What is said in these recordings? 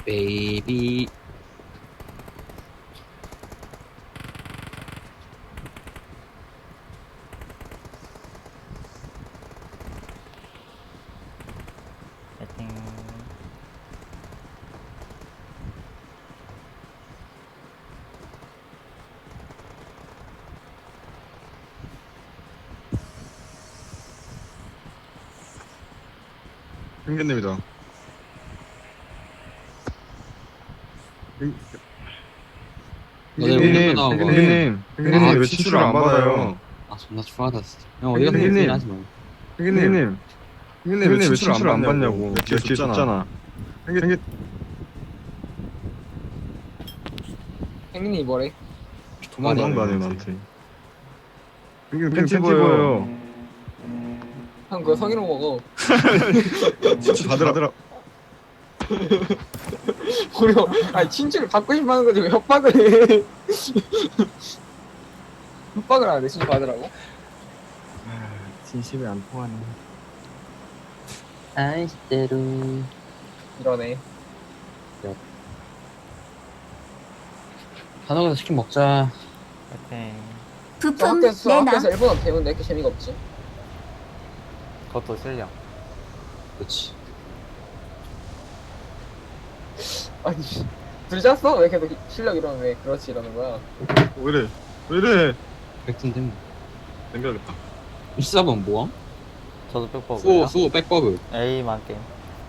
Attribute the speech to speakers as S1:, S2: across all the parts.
S1: 베이비.
S2: 파이팅.
S3: 형님이다.
S1: 너네
S3: 형님,
S1: 나온 거.
S3: 형님 왜 친추를 안 받아요?
S1: 아 존나 추하다 진짜. 형 어디 가서
S3: 형님.
S1: 얘기 하지 마.
S3: 형님 왜 친추를 안 받냐고. 뒤에 줬잖아. 형님
S4: 행님이 뭐래?
S3: 도망가네 나한테. 형님 팬티 보여요.
S4: 형 그거 성희롱 먹어.
S3: 친추 받으라.
S4: 우리 형, 아니 친추를 받고 싶어하는 거지 왜 협박을 해? 협박을 안 해, 친추 받으라고?
S3: 진심이 안 통하네.
S1: 아이스테루.
S4: 이러네.
S1: 단호가서 치킨 먹자.
S2: 파이팅.
S4: 저
S5: 부품
S4: 학교에서
S5: 내놔.
S4: 일본어 배우는데 이렇게 재미가 없지?
S2: 그것도 실력.
S1: 그렇지.
S4: 아니 둘 짰어? 왜 계속 실력 이러면 왜 그렇지 이러는 거야?
S3: 왜 이래?
S1: 백순 템.
S3: 남겨야겠다.
S1: 14번 뭐함?
S2: 저도 백버그.
S1: 수호 백버그.
S2: A만 게임.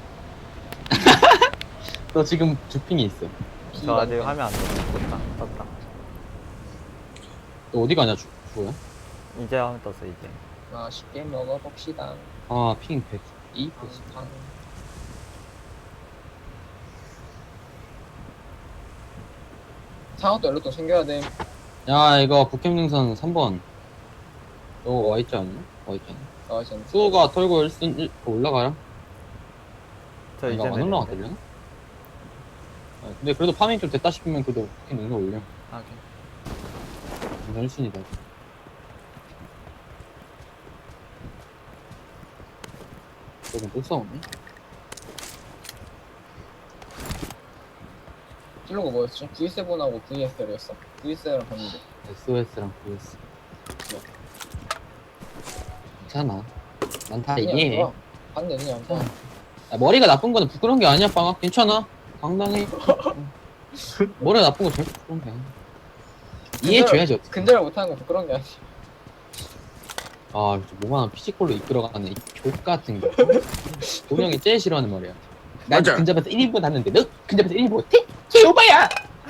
S1: 너 지금 주핑이 있어.
S2: 저 아직 하면 안 돼. 떴다. 떴다.
S1: 너 어디 가냐 주호야?
S2: 이제 하면 떴어 이제.
S4: 맛있게 먹어봅시다.
S1: 아 핑 102?
S4: 팡팡. 상어도 연료통 챙겨야 돼.
S1: 야 이거 북캠 능선 3번. 너 와있지 않냐? 와있지 않냐?
S4: 나와있지 않나?
S1: 수호가 털고 1순 올라가라.
S2: 저 이제
S1: 이거 안 올라가려나? 아, 근데 그래도 파밍 좀 됐다 싶으면 그래도 북캠 능선 올려.
S2: 하게.
S1: 능선 1순이다. 조금 또 싸우네?
S4: 찔러가 뭐였지? V7하고 VSL이었어? VSL이랑 봤는데.
S1: SOS랑 VS. 괜찮아. 난 다
S4: 그냥
S1: 이해해.
S4: 좋아. 봤는데 그냥 봐.
S1: 야, 머리가 나쁜 거는 부끄러운 게 아니야, 빵아. 괜찮아. 당당해. 머리가 나쁜 거 절대 부끄러운 게 아니야. 이해해줘야지, 어떻게.
S4: 근절을 못하는 건 부끄러운 게 아니지.
S1: 아, 뭐만 피지컬로 이끌어가는 이 족같은 거. 동영이 제일 싫어하는 말이야. 나
S3: 맞아.
S1: 근접에서 1인분 하는데 너 근접에서 1인분 못해? 개오바야!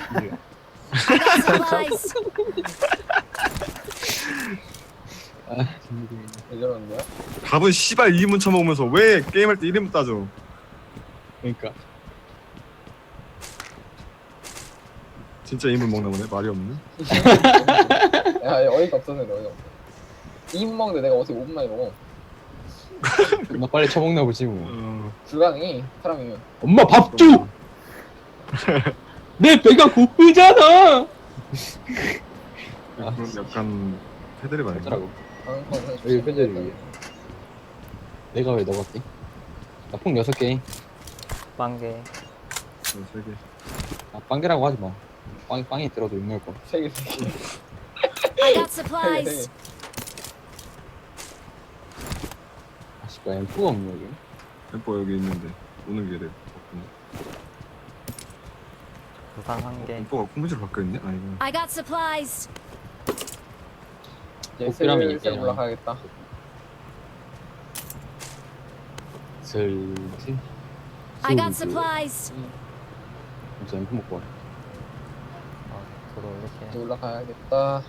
S5: 서프라이즈.
S1: 아,
S4: 왜 저러는 거야?
S3: 밥은 씨발 2인분 처먹으면서 왜 게임할 때 1인분 따져?
S1: 그러니까.
S3: 진짜 2인분 먹나 보네. 말이 없네.
S4: 야, 어이가 없어서 그래, 어이가 없어. 2분 먹는데 내가 어떻게 5분 만에 먹어?
S1: 나 빨리 처먹나 보지 뭐.
S4: 불가능해, 사람이면.
S1: 엄마 밥 줘! 내 배가 고프잖아!
S3: 그런 약간 패드립 아닌가?
S1: 어쩌라고.
S4: 방금
S1: 여기 편집을 위해. 내가 왜 넣었지? 나 폭 6개.
S2: 빵개.
S3: 3개.
S1: 아, 빵개라고 하지 마. 빵이 들어도 욕먹을 거.
S4: 3개, 3개.
S5: I got
S4: 3개,
S5: supplies.
S4: 3개.
S1: 아쉽다, 엠프가 없네, 여기.
S3: 엠퍼 여기 있는데 오는 길에
S2: 부상 한 개.
S3: 엠퍼가 콩무지로 바뀌어있네? 아이고.
S5: I got supplies.
S4: 이제
S1: 복비라면
S4: 슬슬
S1: 이게
S4: 올라가야겠다.
S1: 슬슬.
S5: I got supplies.
S1: 진짜 엠프 먹고 와.
S2: 저도
S4: 이제
S2: 이렇게.
S4: 올라가야겠다.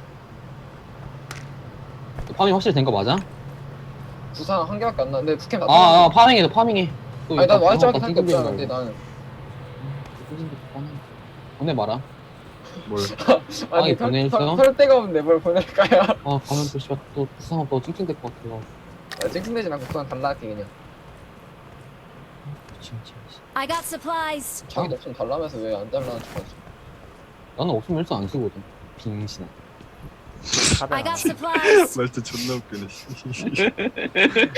S1: 파밍 확실히 된 거 맞아?
S4: 부상 한 개밖에 안 나는데 북캠 다
S1: 아, 파밍해, 너 파밍해. 또
S4: 아니 난
S1: 이따
S4: 와이자밖에
S1: 다
S4: 살게 없잖아.
S1: 찡찡대지
S4: 근데
S1: 말고.
S4: 나는
S1: 보내 마라.
S3: 뭘?
S4: 아니
S1: 보내있어?
S4: 털 데가 없는데 뭘 보낼까요?
S1: 아, 가면 또 씨발 또 부상하고 또 찡찡댈 것 같아.
S4: 야, 찡찡대지 말고 그냥 달라할게 그냥.
S1: 진짜.
S5: I got supplies.
S4: 자기도 없으면 달라면서 왜 안 달라는 척하지?
S1: 나는 없으면 일단 안 쓰거든. 빙신아.
S5: I got supplies.
S3: 말투 존나 웃기네.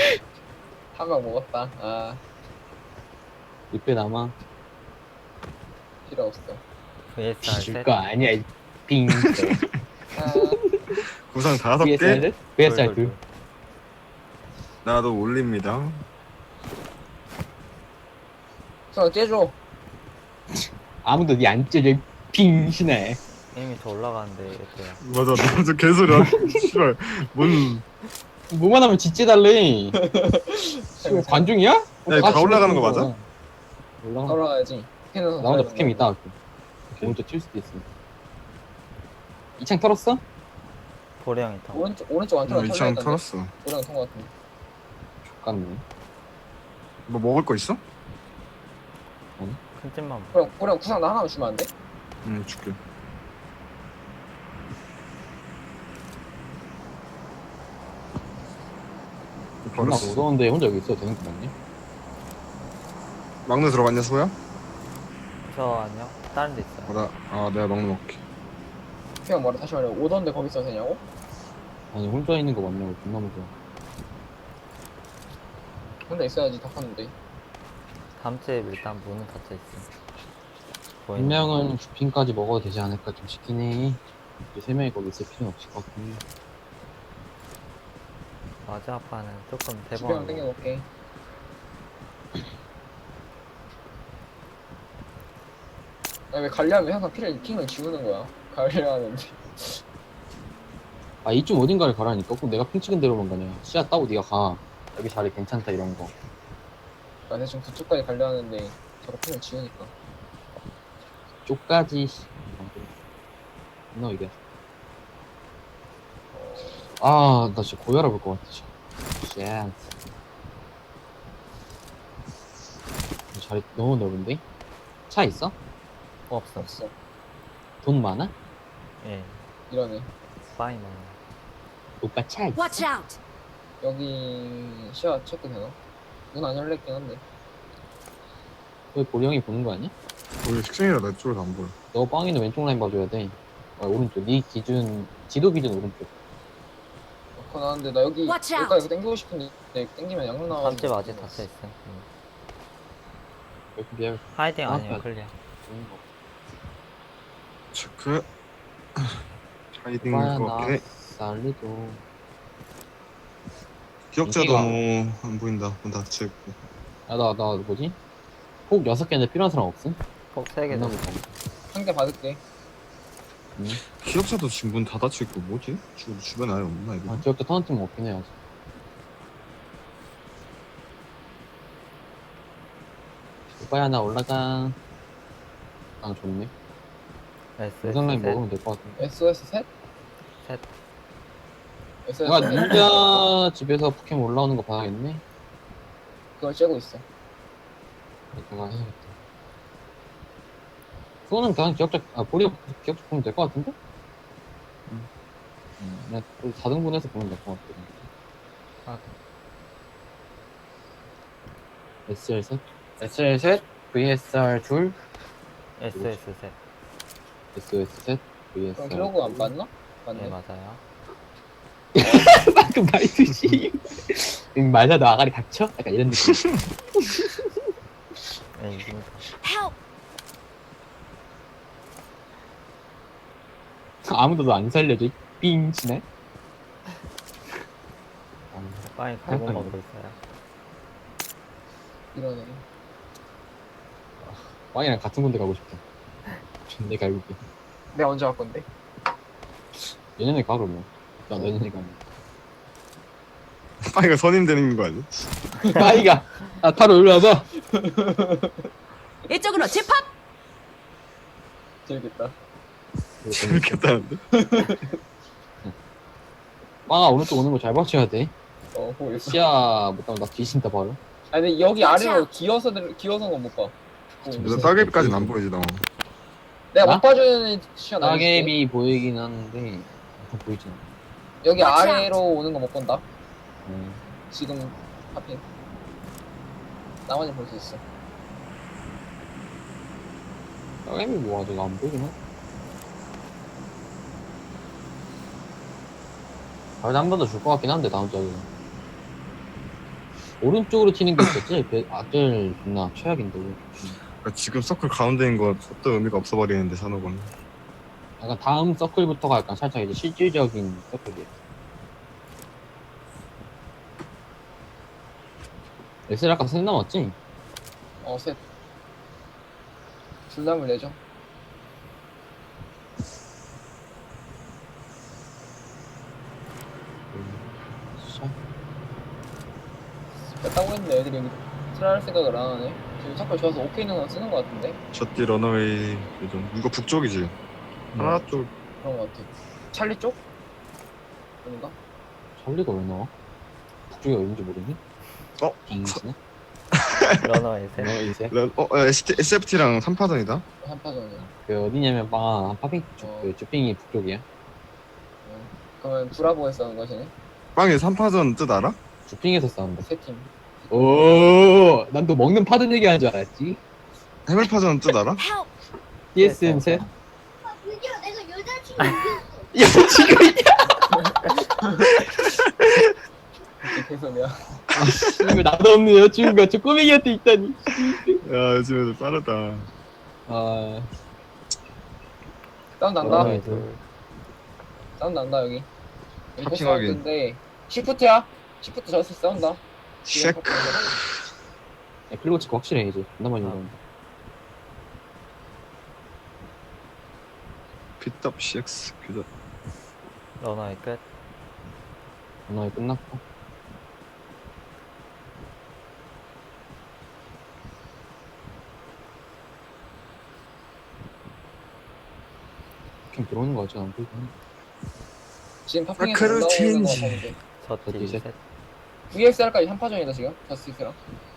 S4: 한 명 먹었다. 아
S1: 6배 남아.
S4: 필요 없어.
S2: VSR
S1: 줄
S2: 셋.
S1: 거 아니야 이 빙.
S4: 아,
S3: 구상 5개.
S1: VSR VSR 둘.
S3: 나도 올립니다.
S4: 저 째줘.
S1: 아무도 니 안 찢어 빙신해.
S2: 이미 더 올라가는데 얘들야.
S3: 맞아, 나도 개소리야. 씨발, 뭔.
S1: 뭐만 하면 짓지달래. 관중이야?
S3: 야, 다 올라가는 거 맞아?
S1: 올라가.
S4: 따라가야지. 캔에서
S1: 나 혼자 북캠 있다 갈게. 오른쪽 칠 수도 있어. 이창 털었어?
S2: 보리 형이 타.
S4: 오른쪽 안쪽으로
S3: 이창 털었어.
S4: 오른 통과 같은데.
S1: 족같네.
S3: 뭐 먹을 거 있어?
S2: 큰 찜만.
S4: 그럼 구상 나 하나만 주면 안 돼?
S3: 응, 줄게.
S1: 존나
S3: 버렸어.
S1: 무서운데 혼자 여기 있어도 되는 거 맞니?
S3: 막내 들어갔냐, 소야?
S2: 저 아니요. 다른 데 있어요.
S3: 내가 막내 먹게.
S4: 그냥 말해 다시 말해. 오던데 거기 있어도 되냐고?
S1: 아니 혼자 있는 거 맞냐고 존나 무서워.
S4: 혼자 있어야지 다 컸는데.
S2: 다음 주에 일단 문은 닫혀 있어.
S1: 한 명은 주핑까지 먹어도 되지 않을까 좀 싶긴 해. 세 명이 거기 있을 필요는 없을 것 같긴 해.
S2: 맞아 아빠는 조금
S4: 집에
S2: 대범한
S4: 한 땡겨놓을게. 아니 왜 관리하면 항상 핑을 지우는 거야? 관리하는데.
S1: 아 이쯤 어딘가를 가라니까. 꼭 내가 핑 찍은 대로만 가냐. 씨앗 따고 네가 가. 여기 자리 괜찮다 이런 거.
S4: 나 대충 그쪽까지 관리하는데 저거 핑을 지우니까.
S1: 쪽까지. 너 이게. 아, 나 진짜 고혈압 올 것 같아. 진짜. 쉣. 자리 너무 넓은데? 차 있어?
S2: 없어.
S4: 없어.
S1: 돈 많아?
S2: 예.
S4: 이러네.
S2: 빠이 많아.
S1: 오빠 차 있어?
S5: Watch out!
S4: 여기 시야 체크 되나? 문 안 열렸긴 한데.
S1: 왜 보리 형이 보는 거 아니야?
S3: 우리 식생이라 내 쪽에서 안 보여.
S1: 너 빵이는 왼쪽 라인 봐줘야 돼. 오른쪽. 네 기준, 지도 기준 오른쪽.
S4: 그거 나는데 나 여기
S5: Watch out.
S4: 여기까지 땡기고 싶은데 땡기면 양로 나와.
S2: 다음 주에 아직 닫혀 있어.
S1: 이렇게 비할
S2: 하이딩
S1: 아,
S2: 아니에요
S1: 맞아.
S2: 클리어.
S1: 좋은 거.
S3: 체크. 하이딩
S1: 오빠야,
S3: 거
S1: 나
S3: 같긴 해.
S1: 살리도.
S3: 기억자
S1: 인기가-
S3: 너무 안 보인다. 문 닫혀 있고.
S1: 아, 나 뭐지? 폭 6개인데 필요한 사람 없음?
S2: 꼭 3개
S1: 존나
S2: 더.
S1: 무서워.
S4: 한개 받을게.
S3: 기억자도 지금 문 닫혀 있고 뭐지? 주변에 아예 없나 이거?
S1: 아, 기억자 터널 팀 없긴 해야지. 오빠야, 나 올라가. 아, 좋네. 영상 라인
S2: SS
S1: 먹으면 될 것 같은데.
S4: SOS 셋?
S2: 셋.
S4: SOS
S1: 내가
S4: 셋?
S1: 닌자 집에서 포켓몬 올라오는 거 봐야겠네.
S4: 그걸 째고 있어.
S1: 내가 해야겠다. 그거는 그냥 기억자, 보리가 기억자 보면 될 것 같은데? 그냥 또 4등분해서 보면 될 것 같거든.
S2: 아.
S1: SR 셋? SR 셋? VSR 둘?
S2: SS 셋.
S1: SOS 셋?
S4: 그럼
S1: VSR.
S4: 킬로그 안 맞나?
S2: 네
S4: 맞네.
S2: 맞아요.
S1: 방금 말했듯이. 맞아, 너 아가리 닥쳐? 약간 이런 느낌.
S2: 네 이깁니다.
S5: Help!
S1: 아무도 너 안 살려줘. 삥 치네.
S2: 빠이 갈고 먹고 있어요.
S4: 이러네.
S1: 빵이랑 같은 군데 가고 싶다. 존내 갈고기.
S4: 내가 언제 갈 건데?
S1: 내년에 가 그러면. 나 내년에 가면.
S3: 빠이가 선임 되는 거 아니야?
S1: 빠이가 타로 일로 와봐.
S5: 이쪽으로 집합!
S4: 재밌겠다.
S3: 재밌겠다는데?
S1: 빵아 오른쪽 오는 거 잘 맞춰야 돼.
S4: 보고 있어.
S1: 시야 못하면 나 뒤진다 바로.
S4: 아니 근데 여기
S5: Watch
S4: 아래로
S5: out.
S4: 기어서는 건 못 봐.
S3: 일단 따개비까지는 안 보이지 나.
S4: 내가
S1: 나?
S4: 못 봐주는 시간 알려줄게.
S1: 따개비 보이긴 하는데 좀 보이진 않아.
S4: 여기
S5: Watch
S4: 아래로 오는 거 못 본다.
S1: 음.
S4: 지금 하필. 나만이 볼 수 있어.
S1: 따개비 뭐 아직 안 보이긴 하. 다음에 한 번 더 줄 것 같긴 한데 다음 주에. 오른쪽으로 튀는 게 있었지? 제일 존나 최악인데.
S3: 그러니까 지금 서클 가운데인 거 어떤 의미가 없어버리는데 산호군.
S1: 약간 다음 서클부터가 약간 살짝 이제 실질적인 서클이에요. 엑셀 아까 셋 남았지?
S4: 셋. 둘담을 내죠.
S1: 자,
S4: 뺐다고 했는데 애들이 여기 트라이할 생각을 안 하네. 지금 서클 좋아서 오케이 있는 거 쓰는 거 같은데?
S3: 셔띠 러너웨이 요즘 이거 북쪽이지. 하나 쪽
S4: 그런 거 같아. 찰리 쪽? 아닌가?
S1: 찰리가 왜 나와? 북쪽이 어딘지 모르니?
S3: 어?
S1: 빙스네?
S2: 러너웨이 셋.
S1: 이제
S3: SFT랑 3파전이다.
S4: 한파전이야.
S1: 그 어디냐면 파핑 쪽,
S4: 어.
S1: 그 주핑이 북쪽이야.
S4: 그러면 브라보에서 싸우는 거야, 쟤네?
S3: 빵이 3파전 뜻 알아?
S1: 주핑에서 싸운다.
S4: 세 팀.
S1: 오, 난 또 먹는 파든 얘기하는 줄 알았지.
S3: 해물파전 뜻 알아?
S5: Help!
S1: TSM 셋.
S6: 드디어 내가 여자친구 이겼어.
S1: 야 지금
S4: 이게 개소리야.
S1: 이거 나도 없는 여자친구가 저 꼬맹이한테 있다니.
S3: 야 요즘 애들 빠르다.
S1: 아,
S4: 사운드 난다.
S1: 러너웨이 둘.
S4: 사운드 난다, 여기. 여기
S3: 파핑 확인.
S4: 사운드인데, 시프트야? 시프트 저스 싸운다.
S3: 쉐크.
S1: 야, 클리고 치고 확실해 이제. 존나 많이 나온다.
S3: 핏업 CX 그죠.
S2: 러너웨이 끝.
S1: 전화회 끝났고. 캠 들어오는 거 같지 않고.
S4: 지금 파핑에서
S3: 마크로
S4: 올라오는 거
S3: 체인지.
S4: 보면 돼.
S2: 저티
S1: 셋.
S2: 셋.
S4: VXR까지 한파전이다, 지금. 저스티스랑.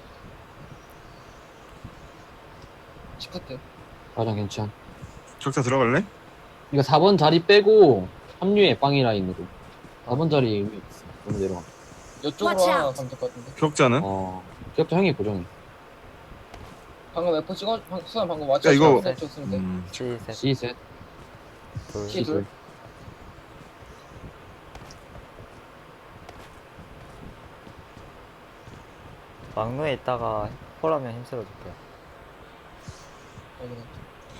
S4: 시프트.
S1: 가장 괜찮.
S3: 적자 들어갈래?
S1: 이거 4번 자리 빼고 합류해 빵이 라인으로. 4번 자리 의미 있어. 너무 내려가.
S4: 이쪽으로
S5: Watch
S4: 하나
S5: out.
S4: 가면 될 것 같은데.
S3: 기억자는?
S1: 기억자 형이 고정해.
S4: 방금 F 수산 방금 맞춰.
S3: 야, 이거-
S4: 줬으면 돼.
S2: C 셋.
S1: C 셋.
S2: 둘.
S4: C 둘.
S2: 막루에 있다가 홀하면 힘쓸어줄게요.
S4: 여기는.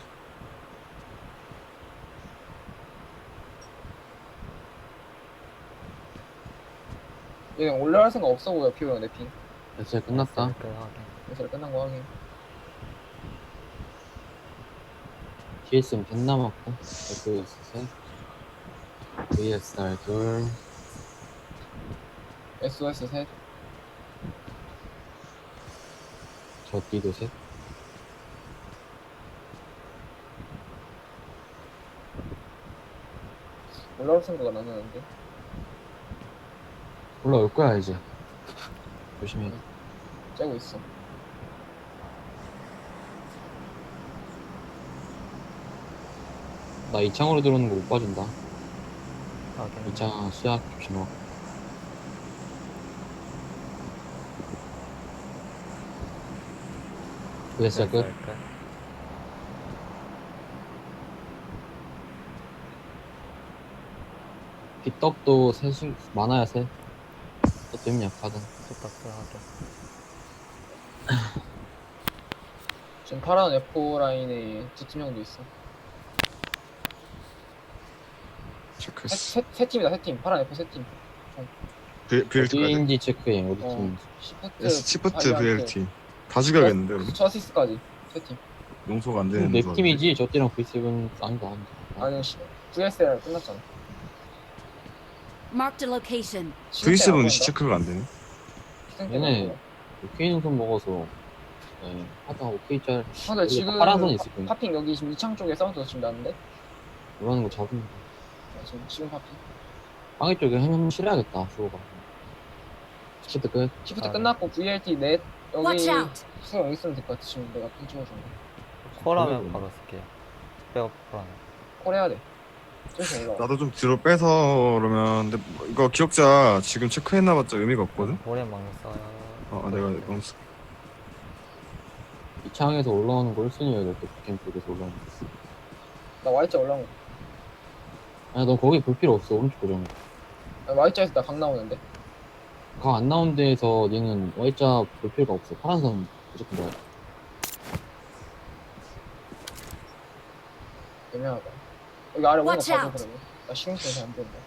S4: 얘 그냥 올라갈 생각 없어 보여, 피오랑 내 핑.
S1: 됐어 끝났다.
S2: 끝 확인.
S4: 그래서 끝난 거 확인.
S1: TSM 벤 남았고. FS 셋. VSR 둘.
S4: SOS 셋.
S1: 저띠도 셋.
S4: 올라올 생각은 안 하는데.
S1: 올라올 거야 이제. 조심해.
S4: 째고 있어.
S1: 나 이창으로 들어오는 거 못 봐준다.
S2: 확인.
S1: 이창 수약 조심하고. VSR 끝.
S2: 끝.
S1: 빗떡도 셋이 많아야 셋. 또 때문에 약하든.
S2: 스탑스 확인.
S4: 지금 파란 F 라인에 두 팀 정도 있어.
S3: 체크했어.
S4: 세 팀이다, 세 팀. 파란 F 세 팀.
S3: VLT까지.
S1: 어디인지 체크해. 어디
S4: 어.
S1: 팀인지.
S3: 시프트 VLT. 다 죽여야겠는데 그럼?
S4: 저시스까지 세 팀.
S3: 용서가 안 되는
S1: 내
S3: 거
S1: 팀이지. 저 띠랑 V7 아니다.
S4: 아니, VSR 끝났잖아.
S5: Marked a location.
S3: V7은 체크가 안 되네.
S1: 얘네 오케이 능선 먹어서 하다 오케이 짤
S4: 근데 지금
S1: 파란선 있을 거야.
S4: 파핑 여기 지금 이창 쪽에 사운드 지금 나는데?
S1: 이러는 거 잡으면 돼.
S4: 지금 파핑.
S1: 빵이 쪽에 한번 실어야겠다. 수호가. 시프트 끝.
S4: 시프트
S2: 아,
S4: 끝났고 VLT 넷
S5: Watch
S4: 여기
S5: out!
S4: 수영 여기 쓰면 될 것 같아. 지금 내가 핑 찍어준 거.
S2: 콜하면
S1: 그래,
S2: 바로 쓸게요. 백업 콜하면.
S4: 콜 해야 돼. 저기서 올라와.
S3: 나도 좀 뒤로 빼서 그러면 근데 뭐 이거 기억자 지금 체크했나봤자 의미가 없거든.
S2: 오래 막루 써요.
S3: 내가 너무
S1: 이 창에서 올라오는 거 1순위여야 될 때, 북캠 쪽에서 올라오는 거.
S4: 나 Y자 올라온 거.
S1: 아니, 너 거기 볼 필요 없어. 오른쪽 고정.
S4: Y자에서 나 강 나오는데.
S1: 강 안 나온 데에서 얘는 Y자 볼 필요가 없어. 파란선 무조건 넣어야 돼.
S4: 애매하다. 여기 아래 오는 거
S5: Watch
S4: 봐줘
S5: out.
S4: 그러면. 나 신경 쓰여서 안 된다.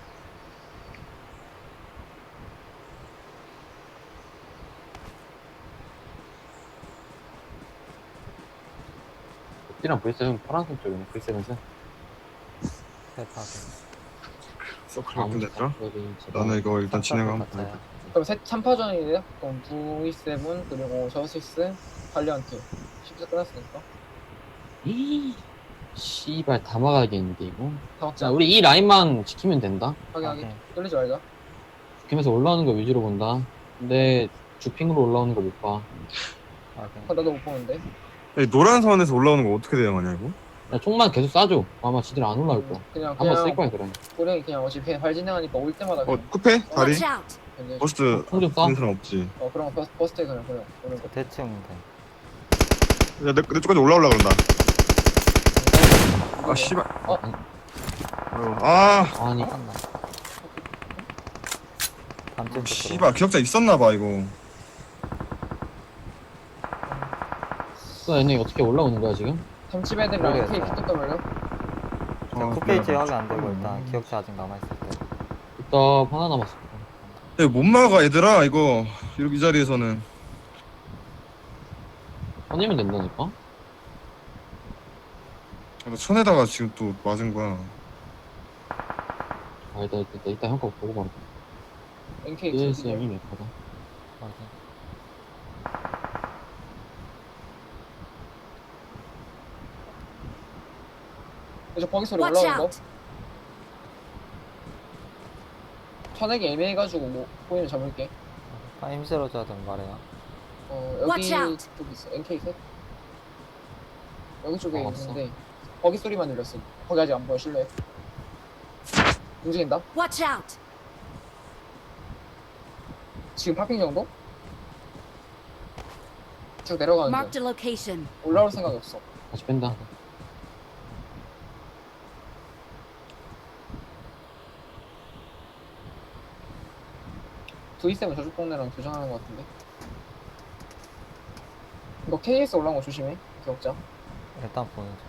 S1: 띠랑 V7 파란색 쪽이네. V7은.
S2: 대파게.
S3: 서클 바꾼댔죠? 나는 이거 일단 진행하면 돼.
S4: 그럼 3파전이래요? 그럼 V7 그리고 저스티스 발리언트 10세 끝났으니까
S1: 이 씨발 다 막아야겠는데 이거.
S4: 다 먹자.
S1: 자 우리 이 라인만 지키면 된다.
S4: 하게
S2: 오케이.
S4: 뚫리지 말자.
S1: 지키면서 올라오는 거 위주로 본다. 근데 주핑으로 올라오는 거 못 봐.
S2: 확인.
S4: 나도 못 보는데.
S3: 이 노란 선에서 올라오는 거 어떻게 대응하냐 이거?
S1: 야, 총만 계속 쏴줘. 아마 지들 안 올라올 거야.
S4: 그냥
S1: 한번 쓸 거야 그래.
S4: 우리 그냥 어차피 발 진행하니까 올 때마다 그냥
S3: 쿠페? 다리?
S5: Watch out.
S4: 견제.
S3: 버스트
S1: 총 좀
S3: 있는
S1: 쏴.
S3: 사람 없지.
S4: 그럼 버스트에 그냥 오는 거.
S2: 대충 돼.
S3: 야, 내 쪽까지 올라오려 그런다. 아, 씨발.
S4: 어?
S3: 아,
S1: 아니
S2: 한다. 밤쯤
S3: 씨발. 기억자 있었나봐, 이거.
S1: 또 얘네 어떻게 올라오는 거야 지금?
S4: 삼집 애들이랑
S2: 모르겠어.
S4: K 피뚝 걸려?
S2: 쿠페이지 확인 안 되고 일단 기억자 아직 남아있을 때.
S1: 일단 하나 남았어.
S3: 야, 못 막아, 얘들아, 이거. 이 자리에서는.
S1: 꺼내면 된다니까?
S3: 나 천에다가 지금 또 맞은 거야.
S1: 아 일단 형 거 보고 말해.
S4: NK
S1: ESM이 몇 거다?
S2: 확인.
S4: 이제 버기 소리
S5: Watch
S4: 올라오는 거.
S5: out.
S4: 천액이 애매해가지고 뭐 보이면 잡을게.
S2: 힘실어 줘야든 말해요.
S4: 여기
S5: Watch out.
S4: 쪽에 있어. NK 셋. 여기 쪽에
S1: 없어.
S4: 있는데 버기 소리만 들렸어. 거기 아직 안 보여. 실내. 움직인다.
S5: Watch out.
S4: 지금 파핑 정도? 쭉 내려가는데
S5: Marked a location.
S4: 올라올 생각이 없어.
S1: 다시 뺀다.
S4: V7 저쪽 동네랑 교전하는 것 같은데. 이거 KS 올라온 거 조심해. 기억자.
S2: 일단 보는 중.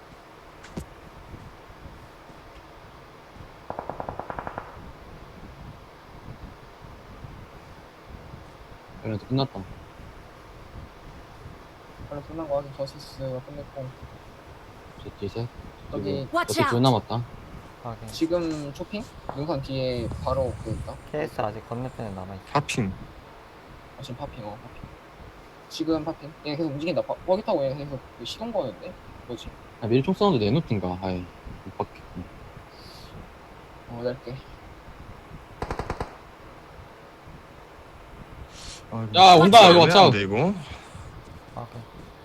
S1: 그래도 끝났다.
S4: 원래 끝난 거 확인. 저스티스가 끝냈고.
S1: 저 뒤에
S4: 여기
S5: Watch
S1: 둘
S5: out.
S1: 남았다.
S2: 확인.
S4: 지금 쇼핑? 능선 뒤에 바로 그 있다.
S2: KS 아직 건너편에 남아있어.
S3: 파핑.
S4: 지금 파핑. 파핑. 지금 파핑. 얘 계속 움직인다. 버기 타고 얘 계속 그 시동 거는데? 뭐지?
S1: 아 미리 총 사운드 내놓든가. 아이 못 받겠군.
S4: 낼게.
S3: 아,
S1: 야, 온다, 이거
S3: 애매한데,
S1: watch out.
S3: 이거.
S2: 확인.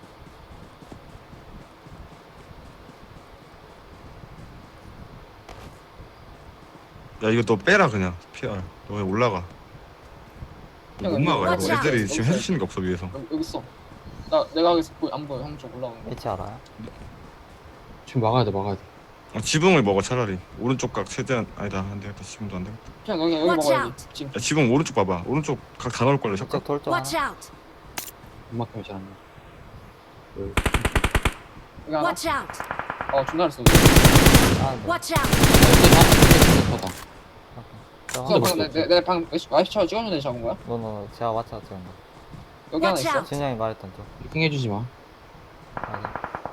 S3: 야, 이거 너 빼라, 그냥. PR. 너 그냥 올라가. 못 막아,
S5: Watch
S3: 이거.
S5: out.
S3: 애들이 지금 해주시는 게 없어, 위에서.
S4: 여기 있어. 내가 여기서 안 보여. 형 쪽 올라오는 거.
S2: 위치 알아요?
S1: 지금 막아야 돼.
S3: 지붕을 먹어, 차라리. 오른쪽 각 최대한. 아니다, 안 되겠다. 지붕도 안 되겠다.
S4: 그냥 여기
S5: Watch
S4: 먹어야지.
S5: out.
S4: 지금.
S3: 야, 지붕 오른쪽 봐봐. 오른쪽 각 다 넣을걸요, 잠깐.
S2: 이쪽 돌쪽 하나.
S5: Watch out.
S1: 음악하면 잘안 나.
S4: 여기 하나.
S5: Watch out.
S4: 존나 잘 쏘네.
S2: 아, 네.
S5: Watch out.
S1: 좋다.
S2: 저
S1: 근데
S2: 하나.
S1: 뭐-
S4: 내가 방금 와이프차 찍어줬는데 잡은 거야?
S2: 노노 제가 맞춰 찍은 거.
S4: 여기 하나
S5: Watch
S4: 있어.
S5: out.
S2: 진영이 말했던 쪽.
S1: 피킹 해주지 마.
S2: 확인.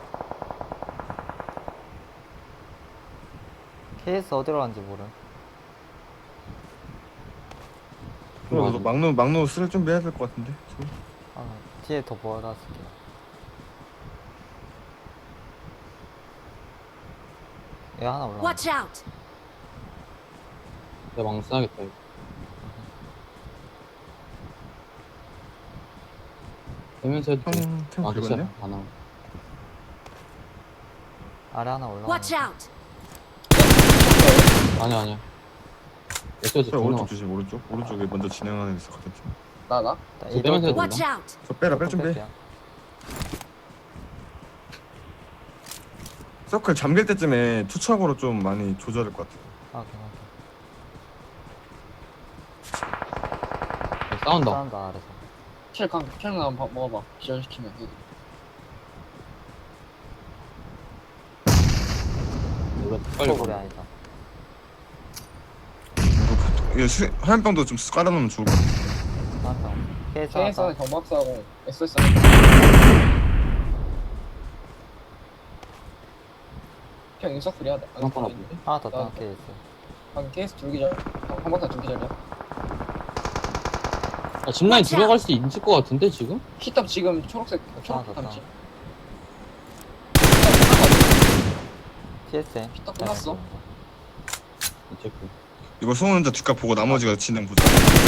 S2: KS 어디로 간지 모름.
S3: 그럼 너 막루 쓸 준비해야 될 것 같은데.
S2: 아, 뒤에 더 보여놨을게요. 얘 하나 올라와.
S5: Watch out.
S1: 내가 망 써야겠다. 이거. 되면서 해도 돼.
S3: 템
S1: 아,
S3: 긁었냐?
S1: 됐어. 안 나와.
S2: 아래 하나 올라와.
S5: Watch out.
S1: 아니야. 됐어,
S3: 자, 오른쪽 조심, 오른쪽. 오른쪽에 먼저 진행하는 애 있었거든.
S4: 나?
S1: 저 빼면서 해도
S5: Watch
S1: 된다.
S5: out.
S3: 저 빼라, 뺄 준비. 서클 잠길 때쯤에 투척으로 좀 많이 조절할 것 같아.
S2: 확인.
S1: 싸운다.
S2: 싸운다 아래서.
S4: 킬강 한번 먹어봐. 기절시키면.
S1: 빨리
S2: 폭으로
S1: 가.
S2: 아니다.
S3: 이거 화염병도 좀 깔아놓으면 좋을 것 같아.
S2: 한병 케이스
S4: KS
S2: 하나
S4: 하나 경박사하고 SS 그냥 인서풀이야.
S1: 한번 아픈데?
S2: 하나 더 따 케이스.
S4: 방금 KS 둘기절. 경박사 둘기절이야.
S1: 짚라인
S5: Watch
S1: 들어갈 수 있을 것 같은데 지금?
S4: 히탑 지금 초록색
S2: 아,
S4: 초록
S2: 됐다.
S4: 탑지.
S2: TSM.
S4: 피딱 끝났어.
S1: 체크.
S3: 이거 소은 혼자 뒷값 보고 나머지가 진행 보자.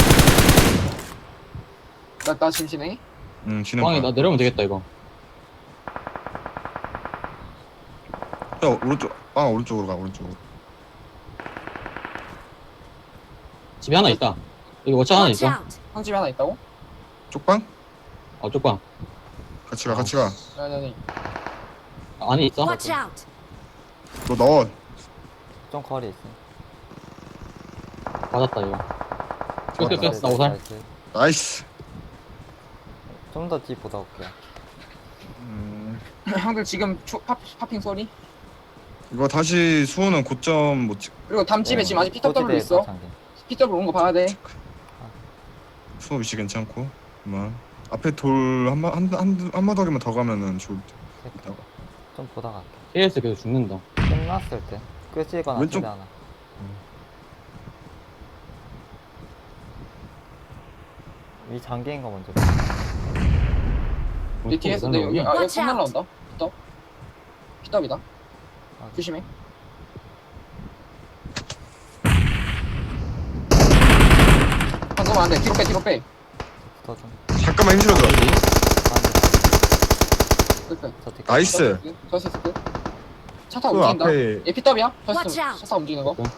S4: 나 지금 진행해?
S3: 진행
S1: 빵이
S3: 봐.
S1: 나 내려오면 되겠다 이거.
S3: 야, 오른쪽으로 가, 오른쪽으로.
S1: 집에 하나 있다. 여기 워차 하나
S5: Watch
S1: 있어.
S5: out.
S4: 황집에 하나 있다고?
S3: 쪽방?
S1: 쪽방.
S3: 같이 가, 같이 가.
S4: 아니
S1: 안에 있어.
S5: Watch out.
S3: 너 넣어.
S2: 좀 거리 있어.
S1: 맞았다 이거. 끝.
S2: 나이스,
S1: 나 오살.
S2: 나이스.
S3: 나이스.
S2: 좀더 뒤 보다 올게요.
S4: 형들 지금 파핑 소리?
S3: 이거 다시 수호는 고점 못 찍.
S4: 그리고 담집에 지금 아직 PW
S2: 고지대에
S4: 있어.
S2: 장기.
S4: PW 온 거 봐야 돼.
S3: 수호 위치 괜찮고. 그만. 앞에 돌 한마더기만 더 가면은 좋을 듯. 이따가.
S2: 좀 보다 갈게.
S1: KS 계속 죽는다.
S2: 끝났을 때. 끝이거나
S3: 왼쪽-
S2: 집에 하나. 위 장기인 거 먼저.
S4: 내 뒤에서 내 여기 여기
S5: Watch
S4: 총
S5: out.
S4: 날라온다. PW다.
S2: 아,
S4: 조심해. 방금 안 돼. 뒤로 빼.
S2: 붙어 좀.
S3: 잠깐만 힘실어줘.
S4: 끝.
S2: 저 뒤.
S3: 나이스.
S4: 저스 끝. 차 타고
S3: 그
S4: 움직인다.
S3: 앞에
S4: 얘 PW야?
S5: Watch out.
S4: 차 타고 움직이는 거.
S1: 오케이.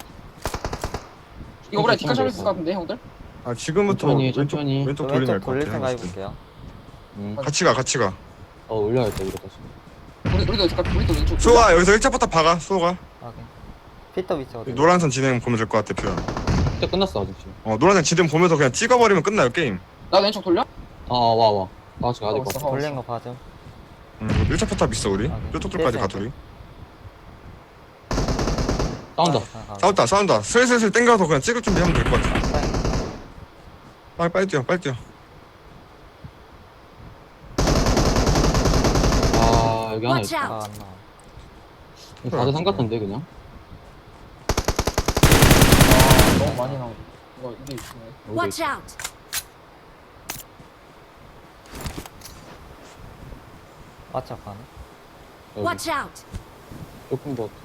S4: 이거 보라 뒷칸 잡을
S1: 좀
S4: 수 있을 것 같은데 형들?
S3: 아 지금부터
S1: 천천히.
S3: 왼쪽
S2: 저
S3: 돌리면
S2: 왼쪽
S3: 할것
S2: 돌릴
S3: 같아.
S2: 생각
S3: 내가 봤을 때.
S2: 해볼게요.
S3: 같이 가.
S1: 올려야겠다 이거 다시.
S4: 우리도 왼쪽.
S3: 수호가 여기서 1차부터 박아. 수호가
S2: 확인. 피터 위치 어디?
S3: 노란선 진행 보면 될 것 같아. 표현.
S1: 그때 끝났어 아직 지금.
S3: 노란선 진행 보면서 그냥 찍어버리면 끝나요 게임.
S4: 나 왼쪽 돌려?
S1: 와. 다 같이 가야 될 것
S4: 왔어.
S1: 같아.
S2: 돌린 거 봐줘.
S3: 1차 포탑 있어 우리.
S2: 아, 네.
S3: 뾰족돌까지 가 둘이.
S1: 싸운다.
S3: 싸운다. 슬슬 땡겨서 그냥 찍을 준비하면 될 것 같아. 빨리 뛰어.
S1: 여기 하나
S5: Watch
S1: 있다.
S5: out.
S2: 안 나와.
S1: 다들 상 같은데 그냥.
S4: 너무 많이 나오고. 이게 있네.
S1: 여기
S5: Watch out.
S2: 맞춰 가나?
S1: 여기
S5: Watch out.
S1: 조금 더.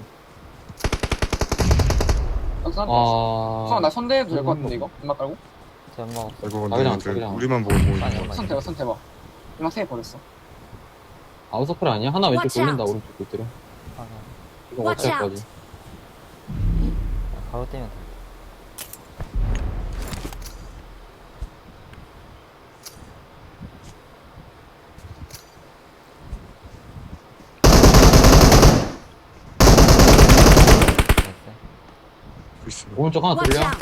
S4: 나 선대해도 될 것 같은데 이거? 음악 깔고?
S2: 제목 없어.
S3: 이거
S1: 자기장,
S3: 근데
S1: 자기장.
S3: 우리만 보고 보이는
S2: 아니,
S3: 거.
S2: 엄마.
S4: 선 대봐. 음악 세개 버렸어.
S1: 아웃서클 아니야? 하나 왼쪽
S5: Watch
S1: 돌린다
S5: out.
S1: 오른쪽 돌들어.
S2: 하나.
S1: 이거
S5: Watch
S1: 어쩔 거지.
S2: 바로 뛰면 돼.
S3: 있어.
S1: 오른쪽 하나
S5: Watch
S1: 돌려.
S5: out.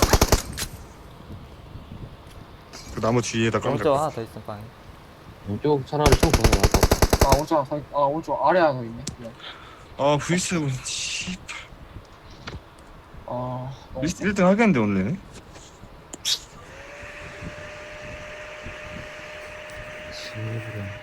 S3: 그 나무 뒤에다 까면
S2: 오른쪽
S3: 될것
S2: 하나
S3: 같아.
S2: 더 있음 방에.
S1: 왼쪽 차라리 총 보는 게 나을 것 같아.
S4: 오른쪽 아래 하나 더 있네. 그냥.
S3: V7 씨.
S4: 너무
S3: 1등 하겠는데 오늘.
S1: 지금